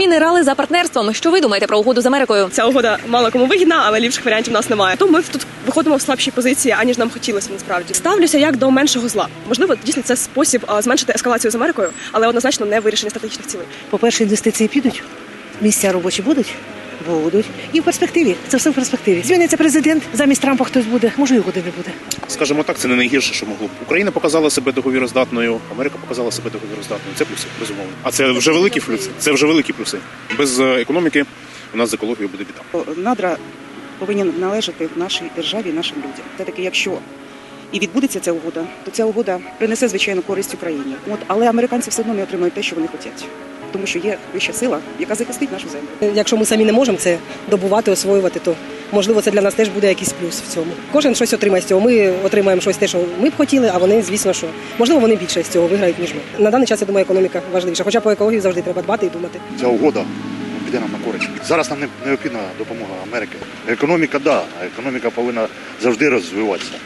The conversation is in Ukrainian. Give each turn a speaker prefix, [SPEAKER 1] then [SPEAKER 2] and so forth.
[SPEAKER 1] Мінерали за партнерством. Що ви думаєте про угоду з Америкою?
[SPEAKER 2] Ця угода мало кому вигідна, але ліпших варіантів у нас немає. Тому ми тут виходимо в слабшій позиції, аніж нам хотілося насправді. Ставлюся як до меншого зла. Можливо, дійсно це спосіб зменшити ескалацію з Америкою, але однозначно не вирішення стратегічних цілей.
[SPEAKER 3] По-перше, інвестиції підуть, місця робочі будуть. Будуть. І в перспективі. Це все в перспективі. Зміниться президент, замість Трампа хтось буде, може і угоди не буде.
[SPEAKER 4] Скажімо так, це не найгірше, що могло б. Україна показала себе договіроздатною, Америка показала себе договіроздатною. Це плюси, безумовно. А це вже великі плюси. Це вже великі плюси. Без економіки у нас з екологією буде біда.
[SPEAKER 5] Надра повинні належати нашій державі, нашим людям. Все-таки, якщо і відбудеться ця угода, то ця угода принесе, звичайно, користь Україні. Але американці все одно не отримають те, що вони хочуть. Тому що є вища сила, яка захистить нашу землю.
[SPEAKER 6] Якщо ми самі не можемо це добувати, освоювати, то можливо це для нас теж буде якийсь плюс в цьому. Кожен щось отримає з цього. Ми отримаємо щось те, що ми б хотіли, а вони, звісно, що можливо вони більше з цього виграють, ніж ми. На даний час, я думаю, економіка важливіша. Хоча по екології завжди треба дбати і думати.
[SPEAKER 7] Ця угода піде нам на користь. Зараз нам необхідна допомога Америки. Економіка, да, економіка повинна завжди розвиватися.